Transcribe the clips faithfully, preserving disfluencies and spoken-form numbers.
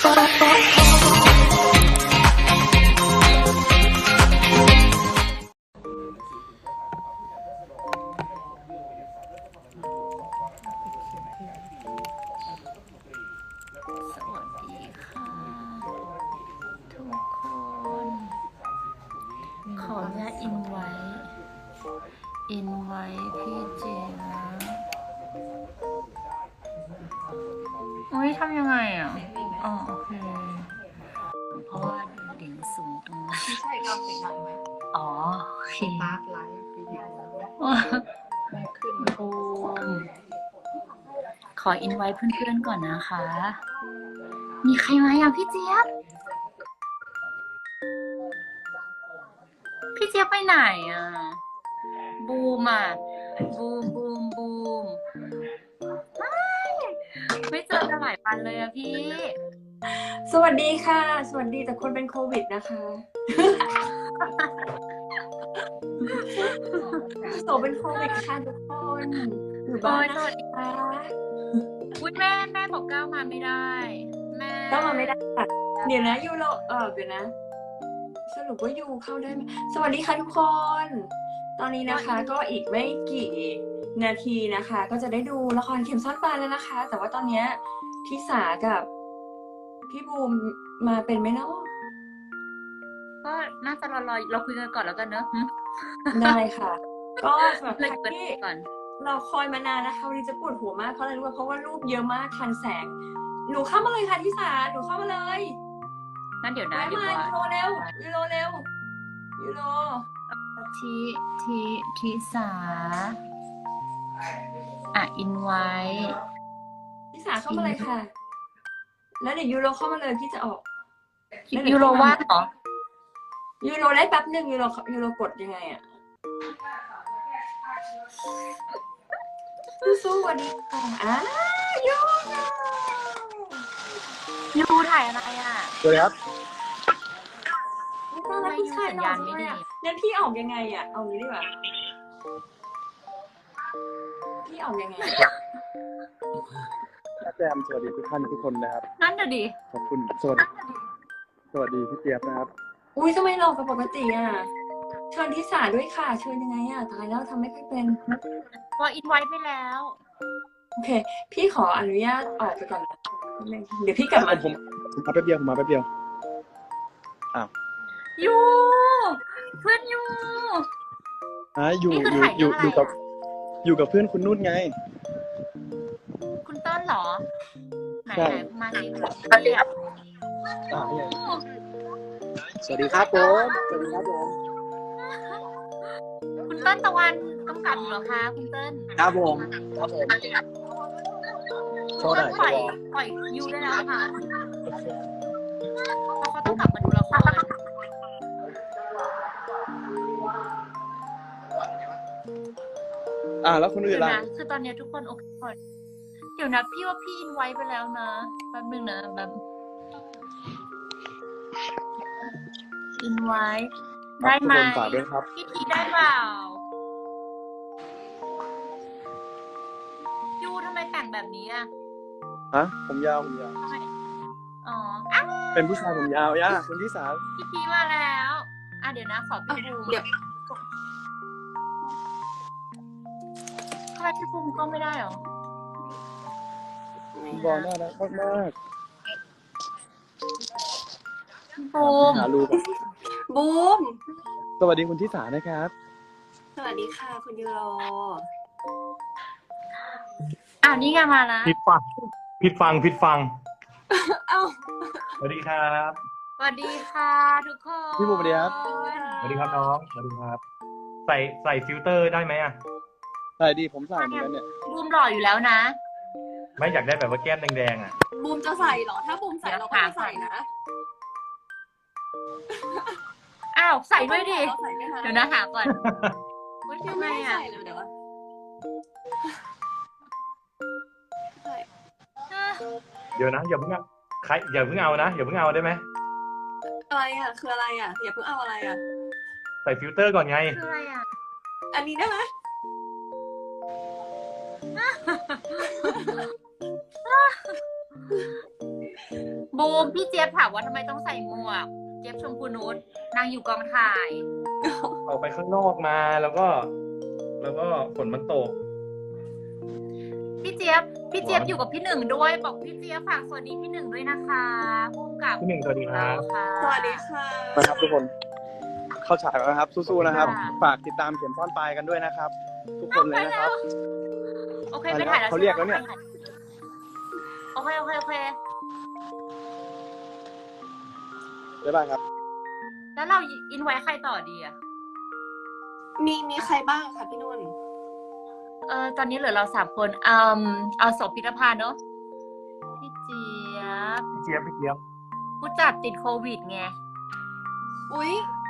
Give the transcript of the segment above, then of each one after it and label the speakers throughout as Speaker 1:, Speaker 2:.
Speaker 1: ขออนุญาตอินไว้ อินไว้พี่เจนะอุ้ยทำยังไงอ่ะ อ๋อโอเค เพราะว่าดิ่งสูงตรงนั้น
Speaker 2: ไม่ใช่เราเสียงดังไหม
Speaker 1: อ๋อโอเค
Speaker 2: ตาร์ทไลฟ์วิดีโอไม่ขึ้น
Speaker 1: โอมขออินไว้เพื่อนๆก่อนนะคะ มีใครมาอย่างพี่เจี๊ยบ พี่เจี๊ยบไปไหนอ่ะ บูมอ่ะ บูมบูมบูมไม่เจอกันหลายวันเลยอะพี่
Speaker 2: สวัสดีค่ะ สวัสดีแต่คนเป็นโควิดนะคะโสเป็นโควิดค่ะทุกคนอยู่บ้านนะคะ
Speaker 1: อุ้ยแม่แม่บอกก้าวมาไม่ได้ แม่
Speaker 2: ก็มาไม่ได้เดี๋ยวนะยูโรเออเดี๋ยวนะสรุปว่ายูเข้าได้ไหมสวัสดีค่ะทุกคนตอนนี้นะคะก็อีกไม่กี่นาทีนะคะ ก็จะได้ดูละครเข็มซ่อนปลาแล้วนะคะ แต่ว่าตอนนี้ทิสากับพี่บูมมาเป็นไหมเนาะ
Speaker 1: ก็น่าจะรอรอเราคุยกันก่อนแล้วกันเนอะ
Speaker 2: ได้ค่ะ ก็สำหรับใครที่
Speaker 1: ก่อน
Speaker 2: เราคอยมานานนะคะวันนี้จะปวดหัวมากเพราะอะไรรู้ไหมเพราะว่ารูปเยอะมากทันแสงหนูเข้ามาเลยค่ะทิสาหนูเข้ามาเลย
Speaker 1: งั้นเดี๋ยวนะ
Speaker 2: มายูโรเร็วยูโรเร็วยูโร
Speaker 1: ทีทีทีสาอ่ะอินไว้
Speaker 2: ทิสาเข้ามาเลยค่ะแล้วเดี๋ยวยูโรเข้ามาเลยพี่จะออก
Speaker 1: ยูโรว่างเหรอ
Speaker 2: ยูโรได้แป๊บหนึ่งยูโรยูโรกดยังไงอะสู้ๆวันนี้อ่ะยู
Speaker 1: ยูถ่ายอะไรอ่ะ
Speaker 3: สวัสดีครับ
Speaker 2: ไม่ต้องแล้วพี่ชายนอนไม่ได้งั้นพี่ออกยังไงอ่ะเอางี้ดีกว่าพี่ออกยังไง
Speaker 3: แจมสวัสดีทุกท่านทุกคนนะครับ
Speaker 1: นั่นเดี๋ยวดิ
Speaker 3: ขอบคุณสวัสดีสวัสดีพี่เจี๊ยบนะครับ
Speaker 2: อุ้ยทำไมหลอกกับปกติอ่ะเชิญทิสาด้วยค่ะเชิญยังไงอ่ะตายแล้วทำไม่ค่อยเป็น
Speaker 1: พออินไว้ไปแล้ว
Speaker 2: โอเคพี่ขออนุญาตออกไปก่อนนะเดี๋ยวพี่กลับมา
Speaker 3: ผมผมมาแป๊บเดียวผมมาแป๊บเดียวอ้าว
Speaker 1: ยูเพื่อนยู
Speaker 3: อ่ะอยู่อยู่อยู่อยู่กับอยู่กับเพื่อนคุณนุ่นไง
Speaker 1: คุณต้นเหรอไหนไหนมาสิ
Speaker 3: สวัสดีครับสวัสดีครับผมสวัสดีครับผม
Speaker 1: คุณต้นตะวันกำกับเหรอคะคุณต้น
Speaker 3: ครับผมครับผม
Speaker 1: คุณต้นปล่อยปล่อยยูได้แล้วค่ะเพราะเขาต้องกลับมาดูละคร
Speaker 3: อ่าแล้วคนอื่นล่ะ
Speaker 1: คือตอนนี้ทุกคนโอเคหมดเดี๋ยวนะพี่ว่าพี่อินไว้ไปแล้วนะแป๊บนึงนะแบบอินไว้ได้ไหมพี่ทีได้เปล่ายูทำไมแต่งแบบนี้อ่ะ
Speaker 3: ฮะผมยาวผมยาว
Speaker 1: อ๋อ
Speaker 3: เป็นผู้ชายผมยาวย่าคนที่สาม
Speaker 1: พี่ทีมาแล้วอ่ะเดี๋ยวนะขอพี่บูมเดี๋ยวทำไมพี่บูมก็ไม่ได้หร
Speaker 3: อบอลน่ารักมาก
Speaker 1: บูม
Speaker 3: หาลูก
Speaker 2: บูม
Speaker 3: สวัสดีคุณทิสานะครับ
Speaker 2: สวัสดีค่ะคุณยูโร
Speaker 1: อ่านี่ไงมาแล้ว
Speaker 4: ผิดฟังผิดฟังผิดฟัง
Speaker 2: เอ้า
Speaker 4: สวัสดีครับ
Speaker 1: สวัสดีค่ะทุกคน
Speaker 3: พี่บูมสวัสดีครับ
Speaker 4: สวัสดีครับน้องสวัสดีครับใส่ใส่ฟิลเตอร์ได้ไหมอ่ะ
Speaker 3: ใส่ดีผมใส่เหมือนกันเนี่ย
Speaker 1: บูมหล่ออยู่แล้วนะ
Speaker 4: ไม่อยากได้แบบว่าแก้มแดงๆอ่ะ
Speaker 2: บูมจะใส่เหรอถ้าบูมใส่เราก็ใส่นะ
Speaker 1: อ้าวใส่ด้วยดิเดี๋ยวนะหาก่อนว่าทำไมอ่ะ
Speaker 2: เดี๋ยวเดี๋ยว
Speaker 4: เดี๋ยวนะอย่าเพิ่งใครอย่าเพิ่งเอานะอย่าเพิ่งเอาได้ไหม
Speaker 2: อะไรอ่ะคืออะไรอ่ะอย่าเพิ่งเอาอะไรอ่ะ
Speaker 4: ใส่ฟิลเตอร์ก่อนไง
Speaker 1: คืออะไรอ่ะ
Speaker 2: อันนี้ได้ไหม
Speaker 1: บูมพี่เจี๊ยบถามว่าทำไมต้องใส่หมวก เจี๊ยบชมพูนุชนางอยู่กองถ่าย
Speaker 4: ออกไปข้างนอกมาแล้วก็ แล้วก็ฝนมันตก
Speaker 1: พี่เจี๊ยบพี่เจี๊ยบอยู่กับพี่หนึ่งด้วยบอกพี่เจี๊ยบฝากสวัสดีพี่หนึ่งด้วยนะคะพุ่มกับ
Speaker 4: พี่หนึ่งสวัสดีครับ
Speaker 1: ค่ะ
Speaker 2: สวัสดีค่ะ
Speaker 3: นะครับทุกคนเข้าฉายแล้วนะครับ สู้ๆนะครับ
Speaker 1: ค่ะ
Speaker 3: ฝากติดตามเข็มซ่อนปลายกันด้วยนะครับ ทุกคนเลยนะครับ
Speaker 1: โอเคไปถ่ายแล้ว
Speaker 3: เขาเรียกแล้วเนี่ย
Speaker 1: โอเคโอเคโอเค
Speaker 3: บ๊ายบายครับ
Speaker 1: แล้วเราอินไว้ใครต่อดีอะ
Speaker 2: มีมีใครบ้างคะพี่นุ่น
Speaker 1: เออตอนนี้เหลือเราสามคนอืมเอาศพพิธภัณฑ์เนอะพี่เจี๊ยบ
Speaker 4: พี่เจี๊ยบพี่เจี๊ยบ
Speaker 1: ผู้จัดติดโควิดไง
Speaker 2: อุ๊ย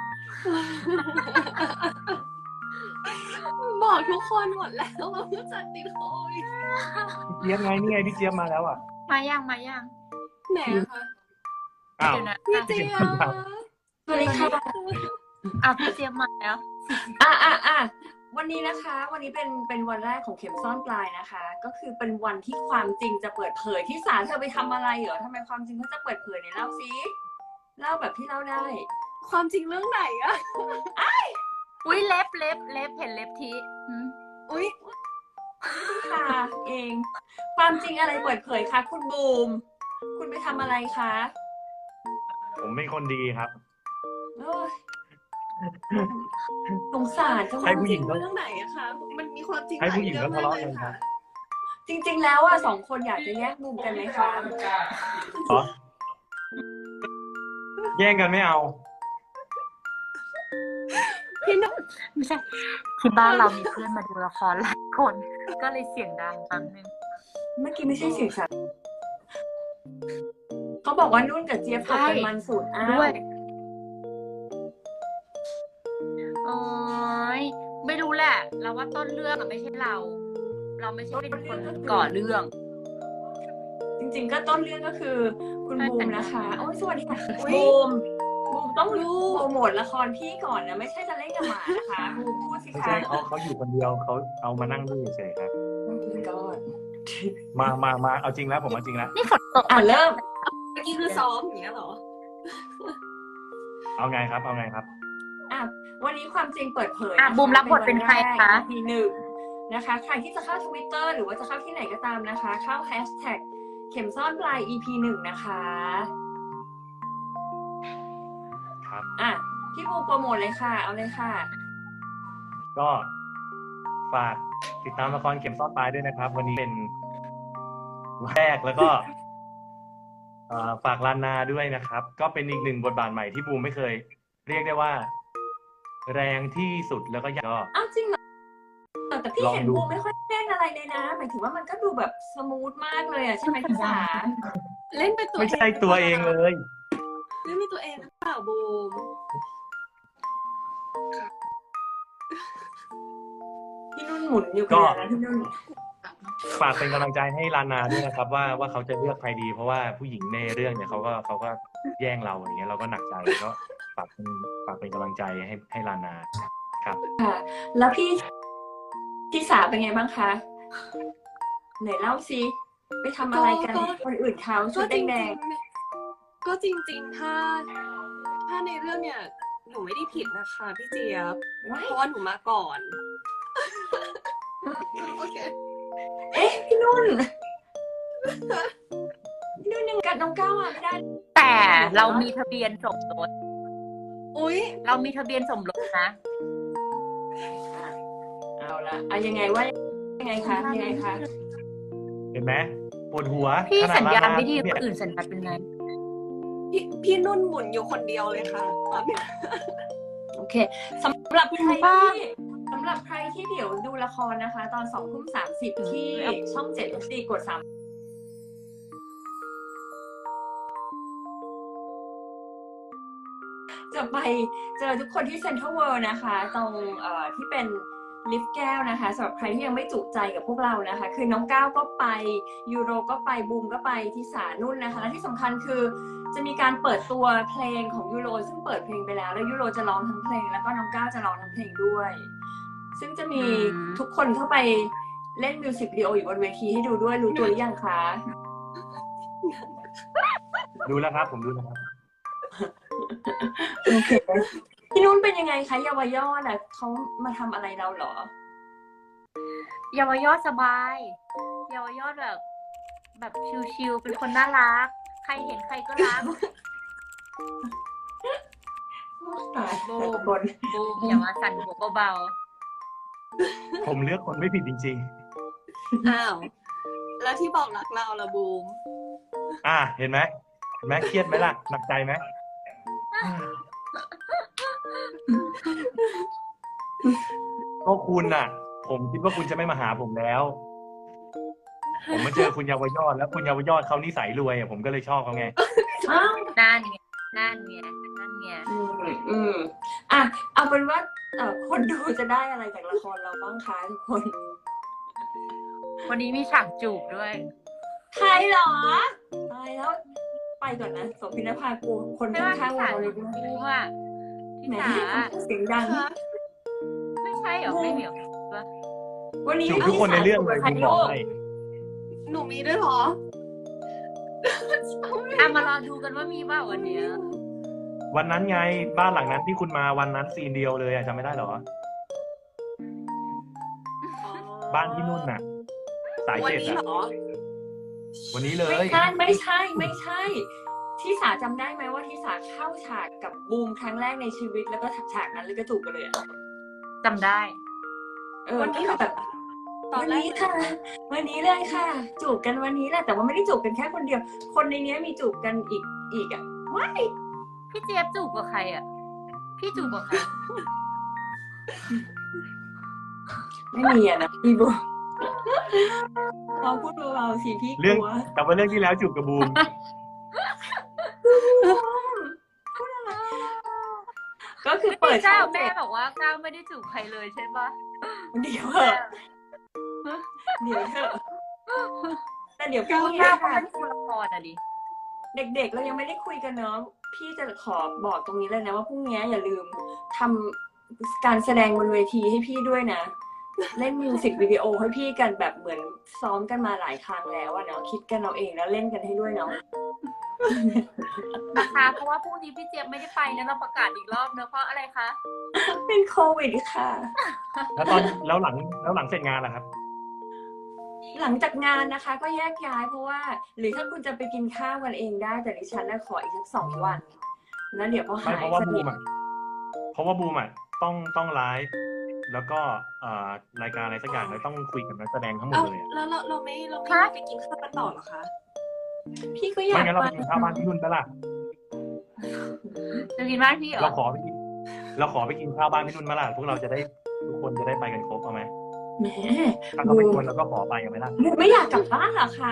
Speaker 2: บอกทุกคนหมดแล้วว่าผู้จัดติดโควิด
Speaker 4: พี่เจี๊ยบไงนี่ไงพี่เจี๊ยบมาแล้วอ่ะ
Speaker 1: มายังมายัง
Speaker 2: ไหนอะคะ
Speaker 4: อ้าว
Speaker 1: เดี๋ยวนะ
Speaker 2: พี่เจี๊ยบสวัสดีค่ะ
Speaker 1: อ่ะพี่เจี๊ยบมาแล้ว
Speaker 2: อ่ะอ่ะอ่ะวันนี้นะคะ วันนี้เป็นเป็นวันแรกของเข็มซ่อนปลายนะคะ ก็คือเป็นวันที่ความจริงจะเปิดเผยที่ศาลเธอไปทำอะไรเหรอทำไมความจริงเขาจะเปิดเผยเนี่ยเล่าซิเล่าแบบที่เล่าได้ ความจริงเรื่องไหนอะ
Speaker 1: อุ้ยเล็บเล็บเล็บเห็นเล็บทีหืม
Speaker 2: อุ๊ยค่ะเอง ความจริงอะไรเปิดเผยคะคุณบูม คุณไปทำอะไรคะ
Speaker 4: ผมเป็นคนดีครับ
Speaker 2: โอ้ยสงสารจัง
Speaker 4: ให้ผู้หญิง
Speaker 2: เรื่องไหนอะคะ มันมีความจริง
Speaker 4: ให้ผู้หญิงก็ทะเลาะกันครับ
Speaker 2: จริง ๆ แล้วอะสองคนอยากจะแยกมุมกันไหมคะ
Speaker 4: เหรอแย่งกันไม่เอา
Speaker 2: พี่นุ่น
Speaker 1: ไม่ใช่ที่บ้านเรามีเพื่อนมาดูละครหลายคน ก็เลยเสียงดังฟังนึง
Speaker 2: เมื่อกี้ไม่ใช่เสียงสัตว์เขาบอกว่านุ่นกับเจี๊ยบเขาเป็นมันสูตรอ้าว
Speaker 1: ด้วยโอ้ยไม่รู้แหละ เราว่าต้นเรื่องอะไม่ใช่เรา เราไม่ใช่เป็นคนก่อเรื่อง
Speaker 2: จริง ๆ ก็ต้นเรื่องก็คือ คุณบูมนะคะ โอ้ยสวัสดีค่ะ
Speaker 5: อุ๊ย
Speaker 2: บูมบูมต้องโปรโมทละครพี่ก่อนนะ ไม่ใช่จะเล่นกับหมานะคะบูมพูดสิ
Speaker 4: ไม่
Speaker 2: คะ
Speaker 4: ใช่เขาเขาอยู่คนเดียวเขาเอามานั่งดูเฉยๆครับ
Speaker 2: โอ้ my god
Speaker 4: มามามาเอาจริงแล้วผมเอาจริงแล้ว
Speaker 1: นี่ฝนตก
Speaker 2: อ่ะเริ่ม
Speaker 5: เมื่อกี้คือซ้อมอย่างเงี้ยเหรอ
Speaker 4: เอาไงครับ เอาไงครับ
Speaker 2: อ่ะวันนี้ความจริงเปิดเผย
Speaker 1: อ่ะ
Speaker 2: นะคะ
Speaker 1: บูมรับบทเป็นใครคะ
Speaker 2: ทีหนึ่งนะคะ ใครที่จะเข้าทวิตเตอร์หรือว่าจะเข้าที่ไหนก็ตามนะคะ เข้าแฮชแท็กเข็มซ่อนปลาย อี พี หนึ่งนะคะ
Speaker 4: ครับ
Speaker 2: อ่ะพี่บูมโปรโมทเลยค่ะ เอาเลยค่ะ
Speaker 4: ก็ฝากติดตามละครเข็มซ่อนปลายด้วยนะครับ วันนี้เป็นวันแรกแล้วก็เอ่อฝากลานนาด้วยนะครับ ก็เป็นอีกหนึ่งบทบาทใหม่ที่บูมไม่เคย เรียกได้ว่า แรงที่สุดแล้วก็ยากก็
Speaker 2: อ้าวจริงเหรอแต่พี่
Speaker 4: ลอง
Speaker 2: เห็น
Speaker 4: ดู
Speaker 2: บูมไม่ค่อยเล่นอะไรเลยนะ หมายถึงว่ามันก็ดูแบบสมูทมากเลยอ่ะใช่ไหมพี่สา
Speaker 5: เล่นเป็นตัว
Speaker 4: ไม่ใช่ตัวเองเลย
Speaker 5: เล่นเป็นตัวเองหรือเปล่าบูม
Speaker 2: พี่นุ่นหมุนอยู่กันนะพี่นุ่น
Speaker 4: ฝากเป็นกำลังใจให้ลานาด้วยนะครับ ว่าว่าเขาจะเลือกใครดี เพราะว่าผู้หญิงในเรื่องเนี่ยเขาก็เขาก็แย่งเราอย่างเงี้ยเราก็หนักใจก็ฝากเป็นฝากเป็นกำลังใจให้ให้ลานาครับ
Speaker 2: ค่ะ แล้วพี่พี่สาเป็นไงบ้างคะไหนเล่าซิไปทำอะไรกัน
Speaker 5: ก็
Speaker 2: คนอื่นเขาชุ
Speaker 5: ก็
Speaker 2: ด
Speaker 5: จริง
Speaker 2: แด
Speaker 5: ๆ
Speaker 2: ง
Speaker 5: ก็จริง ๆ ถ้า ถ้าในเรื่องเนี่ย หนูไม่ได้ผิดนะคะพี่เจี๊ยบ
Speaker 2: ๆว้าย
Speaker 5: เพราะว่าหนูมาก่อน โอเค
Speaker 2: เอ๊ะพี่นุ่นพี่นุ่นยังกัดน้องก้าวอ่ะไม่ได้
Speaker 1: แต่เรามีทะเบียนสมรส
Speaker 5: อุ๊ย
Speaker 1: เรามีทะเบียนสมรสนะ
Speaker 2: เอาละอะยังไงว่ายังไงคะยังไงคะ
Speaker 4: เห็นไหมปวดหัว
Speaker 1: พี่
Speaker 4: ขนด
Speaker 1: สัญญาณ
Speaker 4: ลน
Speaker 1: ไม่ดีค
Speaker 4: เนี่ย
Speaker 1: นอื่นสัญญาณเป็นไง
Speaker 5: พี่พี่นุ่นหมุนอยู่คนเดียวเลยค่ะตอนเนี้ย
Speaker 2: โอเคสำหรับใคร
Speaker 1: บ้า
Speaker 2: ที่สำหรับใครที่เดี๋ยวดูละครนะคะ ตอนสองทุ่มสามสิบที่ช่องเจ็ดสี่กดสามจะไปเจอทุกคนที่เซ็นทรัลเวิลด์นะคะ ตรงเอ่อที่เป็นลิฟต์แก้วนะคะสำหรับใครที่ยังไม่จุใจกับพวกเรานะคะ คือน้องก้าวก็ไปยูโรก็ไปบูมก็ไปที่สานุ่นนะคะและที่สำคัญคือจะมีการเปิดตัวเพลงของยูโรซึ่งเปิดเพลงไปแล้วแล้วยูโรจะร้องทั้งเพลงแล้วก็น้องก้าวจะร้องทั้งเพลงด้วย ซึ่งจะมี
Speaker 1: อืม
Speaker 2: ทุกคนเข้าไปเล่นมิวสิกวิดีโออยู่บนเวทีให้ดูด้วยรู้ตัวหรือยังคะ
Speaker 4: ดูแล้วครับผมดูแล้วครับ
Speaker 2: โอเคพี่นุ่นเป็นยังไงคะเยาวยอดอ่ะเขามาทำอะไรเราเหรอ
Speaker 1: เยาวยอดสบายเยาวยอดแบบ แบบชิลๆเป็นคนน่ารัก ใครเห็นใครก็รัก
Speaker 2: ตาย
Speaker 1: บู
Speaker 2: แต่
Speaker 1: ม
Speaker 2: คน
Speaker 1: บูมอย่ามาสั่นหัวเบา
Speaker 4: ผมเลือกคนไม่ผิดจริง
Speaker 5: อ้าว แล้วที่บอกรักเราละบูม
Speaker 4: ๆ อ่ะเห็นไหมเห็นไหมเครียดไหมล่ะหนักใจไหมก็คุณน่ะ ผมคิดว่าคุณจะไม่มาหาผมแล้ว ผมมาเจอคุณเยาวยอดแล้วคุณเยาวยอดเขานิสัยรวยอ่ะผมก็เลยชอบเขาไง
Speaker 2: อ้าว
Speaker 1: ๆนั่นไงนั่นไงนั่นไง
Speaker 2: อืมอืมอ่ะเอาเป็นว่าเอ่อคนดูจะได้อะไรจากละครเราบ้างคะทุกคน
Speaker 1: วันนี้มีฉากจูบด้วย
Speaker 2: ใครเหรอตายแล้ว ไปก่อนนะโสพินภากูคน
Speaker 1: ไม่ว่า
Speaker 2: ข้าง
Speaker 1: ที่
Speaker 2: ๆ
Speaker 1: สา
Speaker 2: เราเลย
Speaker 1: บู
Speaker 2: ด้วย
Speaker 1: มอ่ะที่
Speaker 2: แหม
Speaker 1: สา
Speaker 2: เสียงดัง
Speaker 1: ไม่ใช่เหรอไม่เหรอวะ
Speaker 2: วันนี้
Speaker 4: จูบทุกคนในเรื่องเลยผมบอกให้
Speaker 5: หนูมีด้วยเหรอ
Speaker 1: อ่ะมารอดูกันว่ามีเปล่าวันเนี้ย
Speaker 4: วันนั้นไงบ้านหลังนั้นที่คุณมาวันนั้นซีนเดียวเลยอ่ะจำไม่ได้เหรอ บ้านที่นุ่นน่ะ สาย
Speaker 5: วัน
Speaker 4: เจ็ด
Speaker 5: นี้
Speaker 4: อ่ะ
Speaker 5: เหรอ
Speaker 4: วันนี้เล
Speaker 2: ไม่
Speaker 4: ย
Speaker 2: ใช่ไม่ใช่ไม่ใช่ ที่สาจำได้ไหมว่าที่สาเข้าฉากกับบูมครั้งแรกในชีวิตแล้วก็ฉากนั้นเลยก็จูบกันเลยอะ
Speaker 1: จำได้
Speaker 2: เออก็คือแบบ
Speaker 5: ตอน
Speaker 2: วัน
Speaker 5: แรก
Speaker 2: นี้ค่ะ วันนี้เลยค่ะ จูบกันวันนี้แหละแต่ว่าไม่ได้จูบกันแค่คนเดียว คนในเนี้ยมีจูบกันอีกอีกอ่ะว้าย
Speaker 1: พี่เจี๊ยบจูบกับใครอ่ะ พี่จูบกับใคร
Speaker 2: ไม่มีอ่ะนะพี่บูมเราพูดเบาๆสิพี่ก
Speaker 4: เรื่อง
Speaker 2: ลัว
Speaker 4: แต่ว่าเรื่องที่แล้วจูบกับบูม
Speaker 2: ก็คือ
Speaker 1: เปิ
Speaker 2: เปิ
Speaker 1: ด
Speaker 2: ด
Speaker 1: เจ้า
Speaker 2: ช่อง
Speaker 1: แม่
Speaker 2: เจ็ด
Speaker 1: บอกว่าก้าวไม่ได้จูบใครเลยใช่ปะ
Speaker 2: เดี๋ยวเถอะเดี๋ยวเถอะแต่เดี๋ยวพี่
Speaker 1: ก้าวเขา
Speaker 2: ค่ะ
Speaker 1: เป็นผู้ละครอ่ะดิ
Speaker 2: เด็กๆเรายังไม่ได้คุยกันเนาะพี่จะขอบอกตรงนี้เลยนะว่าพรุ่งนี้อย่าลืมทำการแสดงบนเวทีให้พี่ด้วยนะ เล่นมิวสิกวิดีโอให้พี่กันแบบเหมือนซ้อมกันมาหลายครั้งแล้วอะเนาะคิดกันเอาเองแล้วเล่นกันให้ด้วยเนาะ
Speaker 1: นะคะเพราะว่าพรุ่งนี้พี่เจี๊ยบไม่ได้ไปนะเราประกาศอีกรอบเนอะเพราะอะไรคะ
Speaker 2: เป็นโควิดค่ะ
Speaker 4: แล้วตอนแล้วหลังแล้วหลังเสร็จงานล่ะครับ
Speaker 2: หลังจากงานนะคะ ก็แยกย้ายเพราะว่า หรือถ้าคุณจะไปกินข้าวกันเองได้แต่ดิฉันน่ะขออีกสักสองวันแล้วเดี๋ยวพอ
Speaker 4: ไม่
Speaker 2: หาย
Speaker 4: เพราะว่า
Speaker 2: ส
Speaker 4: บู
Speaker 2: นิท
Speaker 4: มอ่ะเพราะว่าบูมอ่ะต้องต้องไลฟ์แล้วก็เอ่อรายการอะไรสักอย่างเลยต้องคุยกับนักแสดงทั้งหมด
Speaker 5: เอ้า
Speaker 4: เลยอะ
Speaker 5: แล้วเราเราไม่เราไม่
Speaker 1: ฮะ
Speaker 5: ไปกินข้าวกันต่อเหรอคะ
Speaker 2: พี่ก็อยา
Speaker 4: ไม่
Speaker 2: ก
Speaker 4: งั้นเรา
Speaker 2: ไป
Speaker 4: ไปกินข้าวบ้านพี่นุ่นปะล่ะ
Speaker 1: จะกินบ้านพี่เหรอ
Speaker 4: เราขอไปกินเราขอไปกินข้าวบ้านพี่นุ่นมาล่ะพวกเราจะได้ทุกคนจะได้ไปกันครบเอาไหม
Speaker 2: แหม
Speaker 4: ถ้าเขาไม่ชวนเราก็ขอไปกันไหมล่ะ
Speaker 2: ไม่อยากกลับบ้านเหรอคะ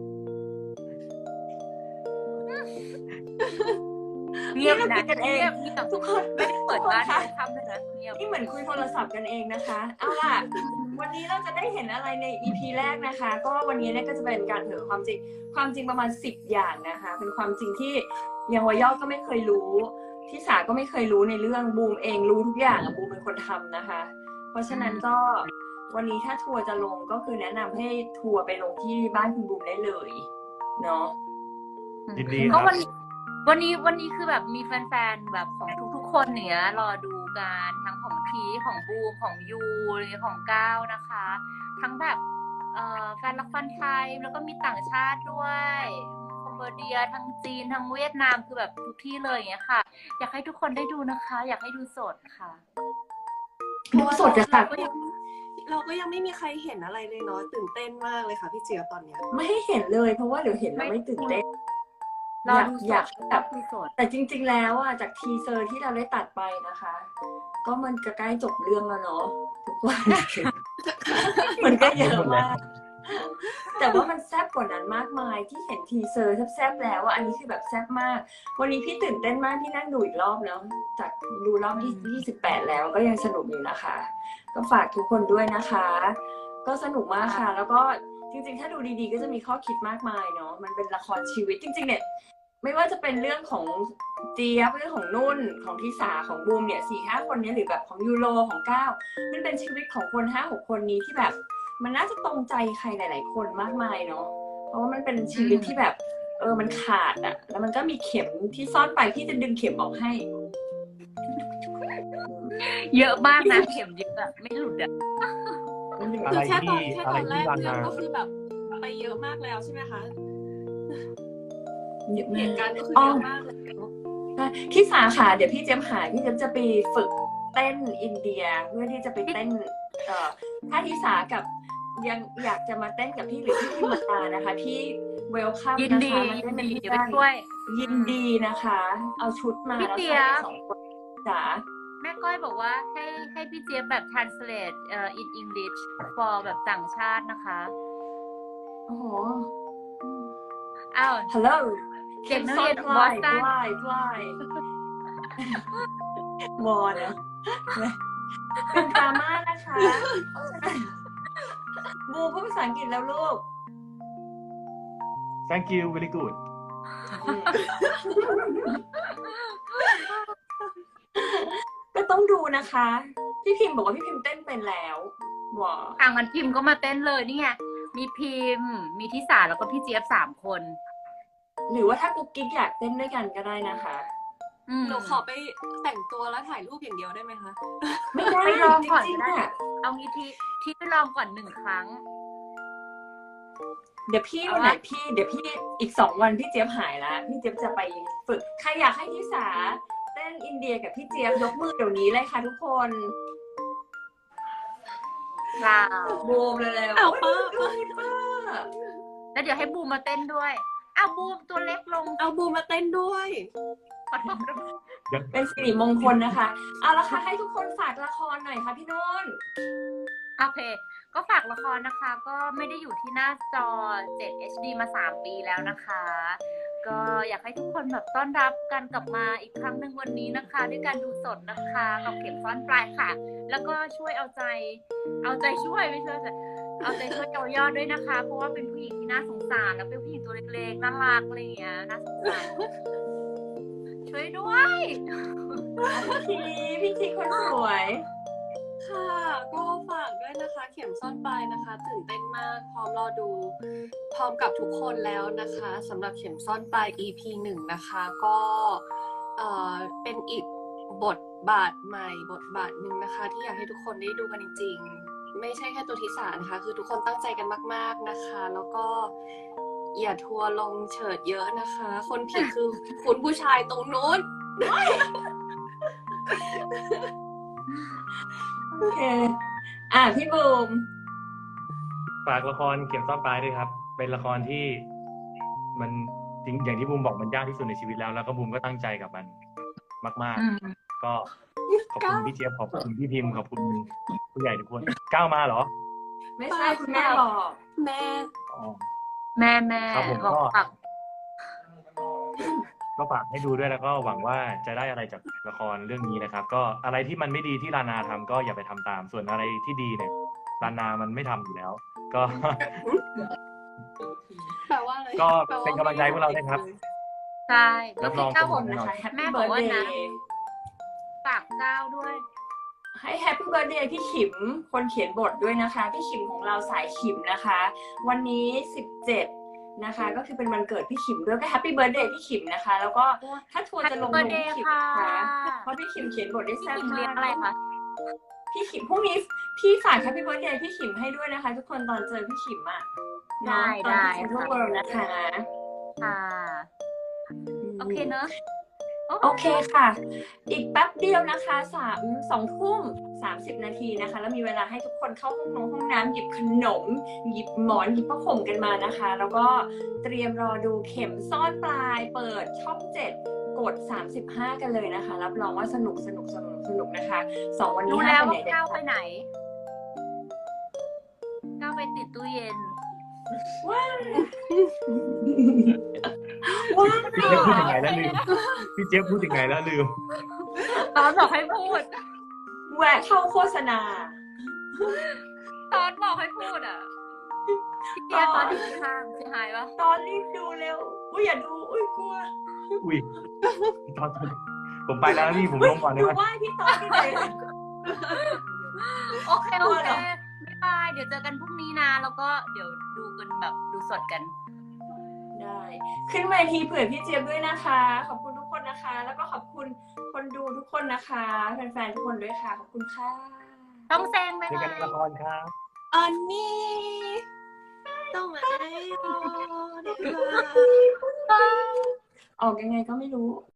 Speaker 1: เงียบ
Speaker 2: นี่
Speaker 1: นะ
Speaker 2: เราคุยกันเอง
Speaker 1: เงียบเงียบ
Speaker 2: ทุกคน
Speaker 1: ไม่ได้เปิดบ้าน
Speaker 2: ทุกคนคะ
Speaker 1: ทำเลยนะเงียบ
Speaker 2: นี่เหมือนคุยโทรศัพท์กันเองนะคะ เอาล่ะ วันนี้เราจะได้เห็นอะไรใน อี พี แรกนะคะ ก็วันนี้เนี่ยก็จะเป็นการเผยความจริง ความจริงประมาณสิบอย่างนะคะ เป็นความจริงที่ยังวายอก็ไม่เคยรู้ ที่สาก็ไม่เคยรู้ในเรื่องบูมเองรู้ทุกอย่างอะบูมเป็นคนทำนะคะ เพราะฉะนั้นก็วันนี้ถ้าทัวร์จะลงก็คือแนะนำให้ทัวร์ไปลงที่บ้านคุณบูมได้เลยเนาะ
Speaker 4: ยินดีค
Speaker 1: ก็
Speaker 4: รับ
Speaker 1: วันนี้วันนี้วันนี้คือแบบมีแฟนๆแบบของทุกๆคนเนี้ยรอดูกันทั้งของพีของบูมของยูของก้าวนะคะ ทั้งแบบเอ่อแฟนละครไทยแล้วก็มีต่างชาติด้วยคอมโบเดียทั้งจีนทั้งเวียดนามคือแบบทุกที่เลยอย่างเงี้ยค่ะ อยากให้ทุกคนได้ดูนะคะ อยากให้ดูสดค่ะ
Speaker 2: ดูสดจะค่ะ
Speaker 5: เราก็ยังเราก็ยังไม่มีใครเห็นอะไรเลยเนาะตื่นเต้นมากเลยค่ะพี่เจี๊ยบตอนเนี้ย
Speaker 2: ไม่ให้เห็นเลยเพราะว่าเดี๋ยวเห็นแล้วไม่ตื่นเต้น
Speaker 1: รอดูส
Speaker 2: อยาก
Speaker 1: ด
Speaker 2: แบ
Speaker 1: แบบ บดูสด
Speaker 2: แต่จริง ๆ แล้วอ่ะจากทีเซอร์ที่เราได้ตัดไปนะคะ ก็มันจะใกล้จบเรื่องแล้วเนาะทุกคน มันก็เยอะมากแต่ว่ามันแซ่บกว่านั้นมากมายที่เห็นทีเซอร์แซ่บๆแล้วอ่ะอันนี้คือแบบแซ่บมาก วันนี้พี่ตื่นเต้นมากที่นั่งดูอีกรอบแล้วจากดูรอบที่ยี่สิบแปดแล้วก็ยังสนุกอยู่นะคะ ก็ฝากทุกคนด้วยนะคะ ก็สนุกมากค่ะ แล้วก็จริงๆ ถ้าดูดีๆ ก็จะมีข้อคิดมากมายเนาะมันเป็นละครชีวิตจริงๆเนี่ยไม่ว่าจะเป็นเรื่องของเจี๊ยบเรื่องของนุ่นของทิสาของบูมเนี่ยสี่ห้าคนนี้หรือแบบของยูโรของก้าวมันเป็นชีวิตของคนห้าหกคนนี้ที่แบบ มันน่าจะตรงใจใครหลาย ๆ คนมากมายเนาะเพราะว่ามันเป็นชีวิตที่แบบเออมันขาดอ่ะ แล้วมันก็มีเข็มที่ซ่อนไปพี่จะดึงเข็มออกให้
Speaker 1: เยอะมากนะเข็มเยอะอะไม่หลุดอะ
Speaker 4: อะ
Speaker 5: คื
Speaker 4: ไร
Speaker 5: อแค่ตอ
Speaker 4: ที่
Speaker 5: นแค่
Speaker 4: อะ
Speaker 5: ต
Speaker 4: ไร
Speaker 5: อนแร
Speaker 4: ที่
Speaker 5: ก
Speaker 4: ลาน
Speaker 5: เรื่อง
Speaker 4: นา
Speaker 5: ก็คือแบบไปเยอะมากแล้วใช่ไหมคะ
Speaker 2: เยอะ
Speaker 5: เห
Speaker 2: มาก
Speaker 5: ตุการณ์ก็คือ
Speaker 2: อ๋อ
Speaker 5: เยอะมากเลย
Speaker 2: ที่สาขาเดี๋ยวพี่เจมหาพี่เจมจะไปฝึกเต้นอินเดียเพื่อที่จะไปเต้นเอ่อถ้าที่สากับยังอยากจะมาเต้นกับพี่หรือพี่พิมมานะคะพี่เวลคัม
Speaker 1: ยิน
Speaker 2: นะ
Speaker 1: ดี
Speaker 2: คะมา
Speaker 1: ยิ
Speaker 2: เต้
Speaker 1: น
Speaker 2: นเป็น
Speaker 1: ดี
Speaker 2: เพื่
Speaker 1: เดี๋ยวไป
Speaker 2: อน
Speaker 1: ช่วย
Speaker 2: ยินดีนะคะ เอาชุดมา
Speaker 1: พี่
Speaker 2: แล้ว
Speaker 1: เจี๊
Speaker 2: ใส่
Speaker 1: ยบ
Speaker 2: สองคนจ๋า
Speaker 1: แม่ก้อยบอกว่าให้ให้พี่เจี๊ยบแบบ translate เอ่อ in English for แบบต่างชาตินะคะ
Speaker 2: โอ้โห
Speaker 1: อ้าว
Speaker 2: ฮัลโหล
Speaker 1: เด็กนักเรียน
Speaker 2: ฟลาย
Speaker 1: Boston
Speaker 2: ฟลายฟลายวอนะ เป็นดราม่านะคะบูพูดภาษาอังกฤษแล้วลูก
Speaker 4: thank you very good
Speaker 2: ก็ต้องดูนะคะ พี่พิมพ์บอกว่าพี่พิมพ์เต้นเป็นแล้วว้า
Speaker 1: ทางกันพิมพ์ก็มาเต้นเลยนี่ไง มีพิมพ์ มีทิสาแล้วก็พี่เจี๊ยบสามคน
Speaker 2: หรือว่าถ้ากุ๊กกิ๊กอยากเต้นด้วยกันก็ได้นะคะ
Speaker 1: อืม
Speaker 5: หนูขอไปแต่งตัวแล้วถ่ายรูปอย่างเดียวได้ไหมคะ
Speaker 2: ไม่ได้
Speaker 1: ไปลอง
Speaker 2: จ
Speaker 1: ก่อน
Speaker 2: ริง
Speaker 1: ก็
Speaker 2: ๆ
Speaker 1: ได้
Speaker 2: อะ
Speaker 1: เอางี้ที่ที่ไปลองก่อนหนึ่งครั้ง
Speaker 2: เดี๋ยวพี่
Speaker 1: เอา
Speaker 2: วันไหน
Speaker 1: วะ
Speaker 2: พี่เดี๋ยวพี่อีกสองวันพี่เจี๊ยบหายแล้วพี่เจี๊ยบจะไปฝึกใครอยากให้ทิสาเต้นอินเดียกับพี่เจี๊ยบยกมือเดี๋ยวนี้เลยค่ะทุกคน
Speaker 1: ค่ะ
Speaker 2: บูมเลยแล้ว
Speaker 5: อ้าวป้า
Speaker 2: ดูป้า
Speaker 1: แล้วเดี๋ยวให้บูมมาเต้นด้วยอ้าวบูมตัวเล็กลง
Speaker 5: เอาบูมมาเต้นด้วย
Speaker 1: ขอโทษ
Speaker 2: เป็นสิริมงคลนะคะ เอาละค่ะให้ทุกคนฝากละครหน่อยค่ะพี่นุ่น
Speaker 1: โอเค ก็ฝากละครนะคะ ก็ไม่ได้อยู่ที่หน้าจอ เจ็ด เอช ดี มาสามปีแล้วนะคะ ก็อยากให้ทุกคนแบบต้อนรับกันกลับมาอีกครั้งหนึ่งวันนี้นะคะ ด้วยการดูสดนะคะกับเข็มซ่อนปลายค่ะ แล้วก็ช่วยเอาใจ เอาใจช่วยไม่ช่วยแต่เอาใจช่วยเยายอดด้วยนะคะ เพราะว่าเป็นผู้หญิงที่น่าสงสารแล้วเป็นผู้หญิงตัวเล็กๆน่ารักอะไรอย่างเงี้ยน่าสงสารช่วยด้วย
Speaker 2: ทีพี่ทีคนสวย
Speaker 5: ค่ะ ก็ฝากด้วยนะคะ เข็มซ่อนปลายนะคะ ตื่นเต้นมาก พร้อมรอดู พร้อมกับทุกคนแล้วนะคะสำหรับเข็มซ่อนปลาย อี พี หนึ่งนะคะ ก็เอ่อเป็นอีกบทบาทใหม่บทบาทหนึ่งนะคะ ที่อยากให้ทุกคนได้ดูกันจริงๆ ไม่ใช่แค่ตัวทิสานะคะ คือทุกคนตั้งใจกันมากๆนะคะ แล้วก็อย่าทัวร์ลงเฉิดเยอะนะคะ คนผิดคือคุณผู้ชายตรงนู้น
Speaker 2: โอเค อ่ะพี่บูม
Speaker 4: ฝากละครเข็มซ่อนปลายด้วยครับ เป็นละครที่มันจริงอย่างที่บูมบอกมันยากที่สุดในชีวิตแล้ว แล้วก็บูมก็ตั้งใจกับมันมาก
Speaker 1: อืม
Speaker 4: ๆ ก็ขอบคุณพี่เจี๊ยบขอบคุณพี่พิมพ์ขอบคุณผู้ใหญ่ทุกคนก้าวมาเหรอ
Speaker 2: ไม่ใช่คุณแม่บอก
Speaker 5: แม่
Speaker 4: อ๋อ
Speaker 1: แม่แม่
Speaker 4: ครับผม
Speaker 1: บอก
Speaker 4: ก็
Speaker 1: ฝาก
Speaker 4: ก็ฝากให้ดูด้วยแล้วก็หวังว่าจะได้อะไรจากละครเรื่องนี้นะครับ ก็อะไรที่มันไม่ดีที่ลานาทำก็อย่าไปทำตาม ส่วนอะไรที่ดีเนี่ยลานามันไม่ทำอยู่แล้ว ก็
Speaker 5: แปลว่าอะไร
Speaker 4: ก็
Speaker 5: แปลว่า
Speaker 4: เป็นกำลังใจให้พวกเราด้วยครับ
Speaker 1: ใช่แล้
Speaker 4: รั
Speaker 1: ว
Speaker 4: บร
Speaker 1: พี่
Speaker 4: อง
Speaker 1: ก้าว
Speaker 4: ผ
Speaker 1: บอก
Speaker 4: ลแน่นอน
Speaker 2: นะคะ
Speaker 1: แม่
Speaker 2: Happy
Speaker 1: บอกว่านะ
Speaker 2: Birthday
Speaker 1: ฝากก้าวด้วย
Speaker 2: ให้แฮปปี้เบิร์ดเดย์พี่ขิมคนเขียนบทด้วยนะคะ พี่ขิมของเราสายขิมนะคะ วันนี้สิบเจ็ดนะคะ ก็คือเป็นวันเกิดพี่ขิมด้วยก็แฮปปี้เบิร์ดเดย์พี่ขิมนะคะ แล้วก็ถ้าทัวร์จะลงล
Speaker 1: Happy
Speaker 2: งพี่
Speaker 1: birthday
Speaker 2: ขิม
Speaker 1: ค่ะ
Speaker 2: นะคะเพราะพี่ขิมเขียนบทได้
Speaker 1: พี่
Speaker 2: แซ่บ
Speaker 1: ขิม
Speaker 2: มา
Speaker 1: เลี้ยง
Speaker 2: ก
Speaker 1: อะไรคะ
Speaker 2: พี่ขิมพรุ่งนี้พี่ฝากแฮปปี้เบิร์ดเดย์พี่ขิมให้ด้วยนะคะ ทุกคนตอนเจอพี่ขิมอ่ะเนาะตอนที่เซ็นทรัลเวิลด์นะคะ
Speaker 1: ค่ะ โอเคเนอะ
Speaker 2: โอเคค่ะ อีกแป๊บเดียวนะคะสามสองทุ่มสามสิบนาทีนะคะ แล้วมีเวลาให้ทุกคนเข้าห้องน้ำห้องน้ำหยิบขนม หยิบหมอนหยิบผ้าห่มกันมานะคะ แล้วก็เตรียมรอดูเข็มซ่อนปลายเปิดช่องเจ็ดกดสามสิบห้ากันเลยนะคะ รับรองว่าสนุกสนุกสนุกสนุกนะคะสองวันนี้
Speaker 1: รู้
Speaker 2: ห้า
Speaker 1: แล้ว
Speaker 2: ไปไหน
Speaker 1: ว่า
Speaker 2: เด็ด
Speaker 1: ก้าวไป
Speaker 2: ขาด
Speaker 1: ไหน ก้าวไปติดตู้เย็น
Speaker 2: ว้าว
Speaker 4: พี่เจี๊ยบพูดยังไงแล้วลืมพี่เจี๊ยบพูดยังไงแล้วลืม
Speaker 1: ตอนบอกให้พูด
Speaker 2: แวะเข้าโฆษณา
Speaker 1: ตอนบอกให้พูดอ่ะพี่เจี๊ยบตอนอยู่ข้างเสียหายปะ
Speaker 2: ตอนรีบดูเร็วอุ้ยอย่าดูอุ้ยกลัว
Speaker 4: อุ้ยตอนผมไปแล้วนะพี่ผมลงก่อนได้
Speaker 2: ดู
Speaker 4: ไหม
Speaker 2: ไหว้พี่ตอนที่ไหน
Speaker 1: โอเคโอเค
Speaker 2: กลัวเหรอ
Speaker 1: บ๊ายบาย เดี๋ยวเจอกันพรุ่งนี้นะ แล้วก็เดี๋ยวดูกันแบบดูสดกัน
Speaker 2: ได้ ขึ้นเวทีเผื่อพี่เจี๊ยบด้วยนะคะ ขอบคุณทุกคนนะคะ แล้วก็ขอบคุณคนดูทุกคนนะคะแฟนๆทุกคนด้วยค่ะขอบคุณค่ะ
Speaker 1: ต้องแซงไป
Speaker 4: เจอกันในละครครับ
Speaker 5: อันนี้ต้องมาให้รอดีกว่า
Speaker 2: ออกยังไงก็ไม่รู้